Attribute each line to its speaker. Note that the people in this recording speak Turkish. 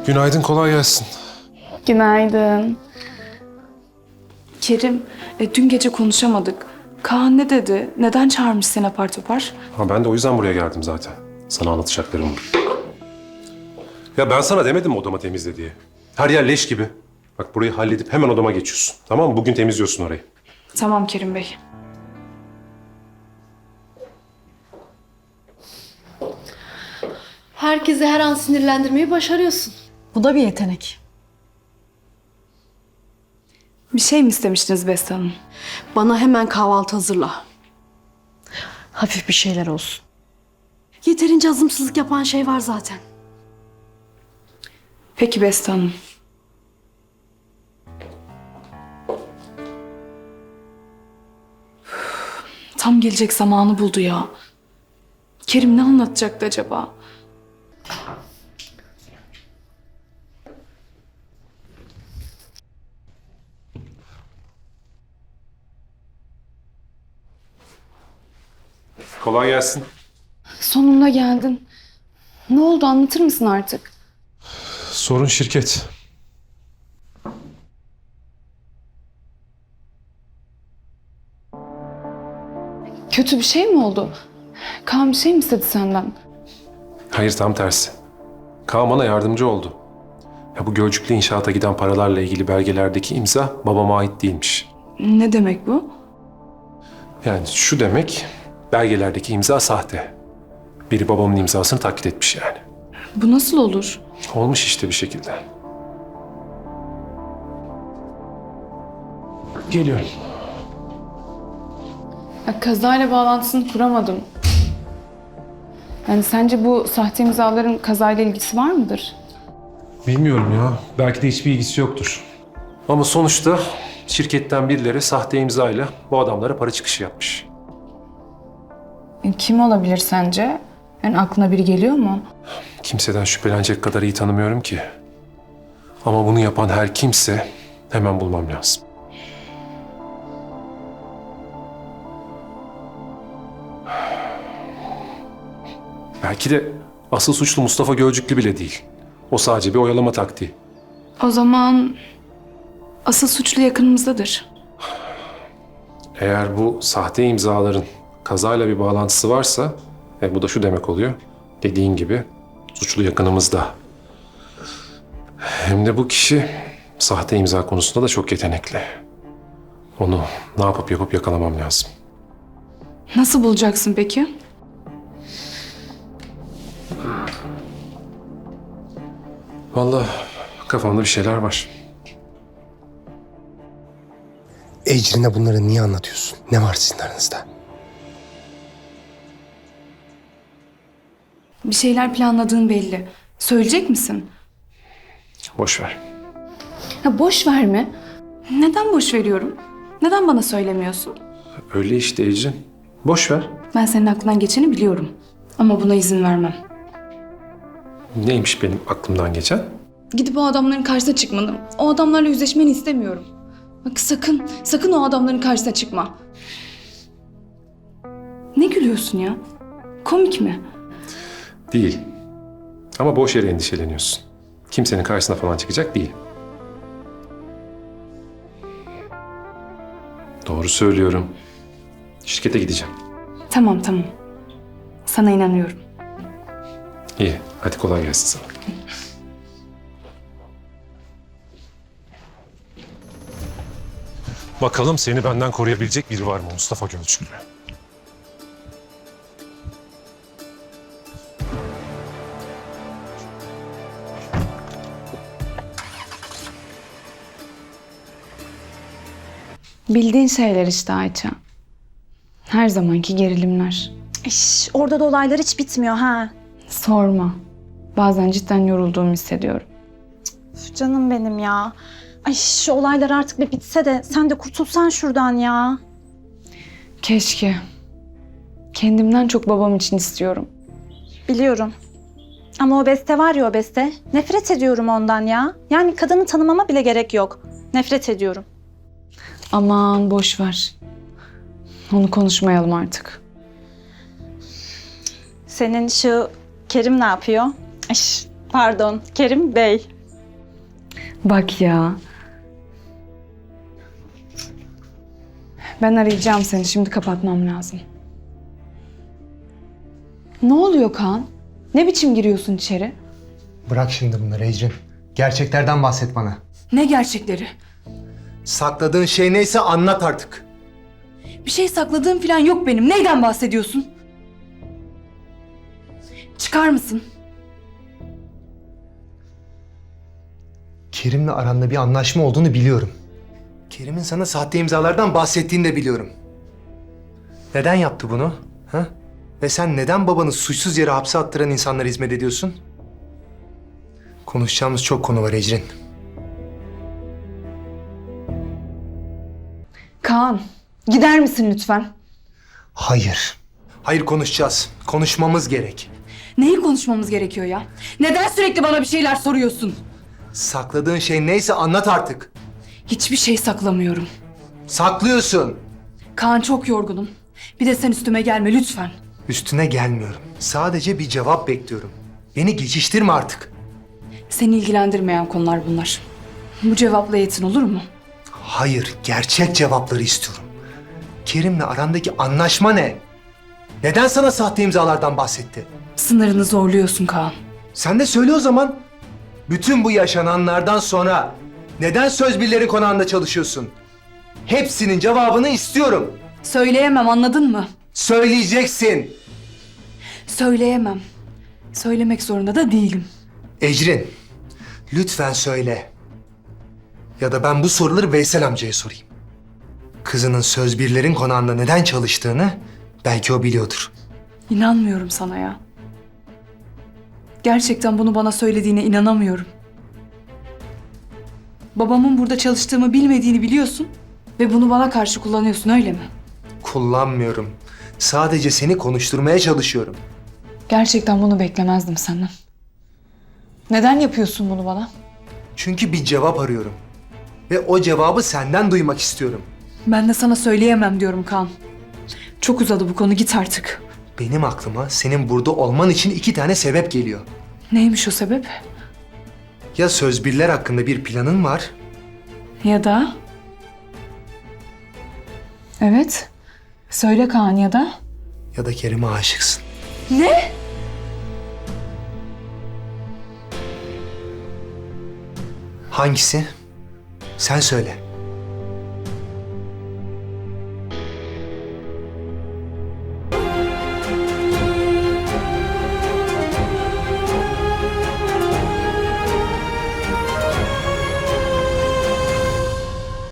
Speaker 1: Günaydın, kolay gelsin.
Speaker 2: Günaydın. Kerim, dün gece konuşamadık. Kaan ne dedi? Neden çağırmış seni apar topar?
Speaker 1: Ha, ben de o yüzden buraya geldim zaten. Sana anlatacaklarım var. Ya ben sana demedim mi odama temizle diye? Her yer leş gibi. Bak burayı halledip hemen odama geçiyorsun. Tamam mı? Bugün temizliyorsun orayı.
Speaker 2: Tamam Kerim Bey.
Speaker 3: Herkesi her an sinirlendirmeyi başarıyorsun.
Speaker 4: Bu da bir yetenek.
Speaker 2: Bir şey mi istemiştiniz Beste Hanım?
Speaker 3: Bana hemen kahvaltı hazırla.
Speaker 4: Hafif bir şeyler olsun.
Speaker 3: Yeterince azımsızlık yapan şey var zaten.
Speaker 2: Peki Beste Hanım. Tam gelecek zamanı buldu ya. Kerim ne anlatacaktı acaba?
Speaker 1: Kolay gelsin.
Speaker 2: Sonunda geldin. Ne oldu anlatır mısın artık?
Speaker 1: Sorun şirket.
Speaker 2: Kötü bir şey mi oldu? Kaan bir şey mi istedi senden?
Speaker 1: Hayır, tam tersi. Kaan bana yardımcı oldu. Ya bu Gölcük'le inşaata giden paralarla ilgili belgelerdeki imza babama ait değilmiş.
Speaker 2: Ne demek bu?
Speaker 1: Yani şu demek, belgelerdeki imza sahte. Biri babamın imzasını taklit etmiş yani.
Speaker 2: Bu nasıl olur?
Speaker 1: Olmuş işte bir şekilde. Geliyorum.
Speaker 2: Ya, kazayla bağlantısını kuramadım. Yani sence bu sahte imzaların kazayla ilgisi var mıdır?
Speaker 1: Bilmiyorum ya. Belki de hiçbir ilgisi yoktur. Ama sonuçta şirketten birileri sahte imzayla bu adamlara para çıkışı yapmış.
Speaker 2: Kim olabilir sence? Yani aklına biri geliyor mu?
Speaker 1: Kimseden şüphelenecek kadar iyi tanımıyorum ki. Ama bunu yapan her kimse hemen bulmam lazım. Belki de asıl suçlu Mustafa Gölcüklü bile değil. O sadece bir oyalama taktiği.
Speaker 2: O zaman asıl suçlu yakınımızdadır.
Speaker 1: Eğer bu sahte imzaların kazayla bir bağlantısı varsa, bu da şu demek oluyor. Dediğin gibi suçlu yakınımızda. Hem de bu kişi sahte imza konusunda da çok yetenekli. Onu ne yapıp yakalamam lazım.
Speaker 2: Nasıl bulacaksın peki?
Speaker 1: Vallahi kafamda bir şeyler var.
Speaker 5: Ecrin'e bunları niye anlatıyorsun? Ne var sizin aranızda?
Speaker 2: Bir şeyler planladığın belli. Söyleyecek misin?
Speaker 1: Boş ver.
Speaker 2: Ha, boş verme. Neden boş veriyorum? Neden bana söylemiyorsun?
Speaker 1: Öyle işte Ecrin. Boş ver.
Speaker 2: Ben senin aklından geçeni biliyorum. Ama buna izin vermem.
Speaker 1: Neymiş benim aklımdan geçen?
Speaker 2: Gidip o adamların karşısına çıkmanı, o adamlarla yüzleşmeni istemiyorum. Bak sakın o adamların karşısına çıkma. Ne gülüyorsun ya? Komik mi?
Speaker 1: Değil. Ama boş yere endişeleniyorsun. Kimsenin karşısına falan çıkacak değil. Doğru söylüyorum. Şirkete gideceğim.
Speaker 2: Tamam. Sana inanıyorum.
Speaker 1: İyi. Hadi kolay gelsin sana. Bakalım seni benden koruyabilecek biri var mı Mustafa Gölcüklü?
Speaker 2: Bildiğin şeyler işte Ayça. Her zamanki gerilimler.
Speaker 4: Orada da olaylar hiç bitmiyor ha.
Speaker 2: Sorma. Bazen cidden yorulduğumu hissediyorum.
Speaker 4: Üf, canım benim ya. Ay şu olaylar artık bir bitse de sen de kurtulsan şuradan ya.
Speaker 2: Keşke. Kendimden çok babam için istiyorum.
Speaker 4: Biliyorum. Ama o Beste var ya o Beste. Nefret ediyorum ondan ya. Yani kadını tanımama bile gerek yok. Nefret ediyorum.
Speaker 2: Aman boş ver. Onu konuşmayalım artık.
Speaker 4: Senin şu Kerim ne yapıyor? Pardon, Kerim Bey.
Speaker 2: Bak ya. Ben arayacağım seni. Şimdi kapatmam lazım. Ne oluyor Kaan? Ne biçim giriyorsun içeri?
Speaker 5: Bırak şimdi bunları Ecrin. Gerçeklerden bahset bana.
Speaker 2: Ne gerçekleri?
Speaker 5: Sakladığın şey neyse anlat artık.
Speaker 2: Bir şey sakladığım falan yok benim. Neyden bahsediyorsun? Çıkar mısın?
Speaker 5: Kerim'le aranda bir anlaşma olduğunu biliyorum. Kerim'in sana sahte imzalardan bahsettiğini de biliyorum. Neden yaptı bunu? Ha? Ve sen neden babanı suçsuz yere hapse attıran insanlara hizmet ediyorsun? Konuşacağımız çok konu var Ecrin.
Speaker 2: Kaan, gider misin lütfen?
Speaker 5: Hayır. Hayır, konuşacağız. Konuşmamız gerek.
Speaker 2: Neyi konuşmamız gerekiyor ya? Neden sürekli bana bir şeyler soruyorsun?
Speaker 5: Sakladığın şey neyse anlat artık.
Speaker 2: Hiçbir şey saklamıyorum.
Speaker 5: Saklıyorsun.
Speaker 2: Kaan, çok yorgunum. Bir de sen üstüme gelme lütfen.
Speaker 5: Üstüne gelmiyorum. Sadece bir cevap bekliyorum. Beni geçiştirme artık.
Speaker 2: Seni ilgilendirmeyen konular bunlar. Bu cevapla yetin, olur mu?
Speaker 5: Hayır, gerçek cevapları istiyorum. Kerim'le arandaki anlaşma ne? Neden sana sahte imzalardan bahsetti?
Speaker 2: Sınırını zorluyorsun Kaan.
Speaker 5: Sen de söyle o zaman. Bütün bu yaşananlardan sonra neden söz birleri konağında çalışıyorsun? Hepsinin cevabını istiyorum.
Speaker 2: Söyleyemem, anladın mı?
Speaker 5: Söyleyeceksin.
Speaker 2: Söyleyemem. Söylemek zorunda da değilim.
Speaker 5: Ecrin, lütfen söyle. Ya da ben bu soruları Veysel amcaya sorayım. Kızının söz birlerin konağında neden çalıştığını belki o biliyordur.
Speaker 2: İnanmıyorum sana ya. Gerçekten bunu bana söylediğine inanamıyorum. Babamın burada çalıştığımı bilmediğini biliyorsun ve bunu bana karşı kullanıyorsun, öyle mi?
Speaker 5: Kullanmıyorum. Sadece seni konuşturmaya çalışıyorum.
Speaker 2: Gerçekten bunu beklemezdim senden. Neden yapıyorsun bunu bana?
Speaker 5: Çünkü bir cevap arıyorum. Ve o cevabı senden duymak istiyorum.
Speaker 2: Ben de sana söyleyemem diyorum Kaan. Çok uzadı bu konu, git artık.
Speaker 5: Benim aklıma senin burada olman için 2 tane sebep geliyor.
Speaker 2: Neymiş o sebep?
Speaker 5: Ya söz birler hakkında bir planın var
Speaker 2: Ya da... Evet. Söyle Kaan, ya da...
Speaker 5: ya da Kerim'e aşıksın.
Speaker 2: Ne?
Speaker 5: Hangisi? Sen söyle.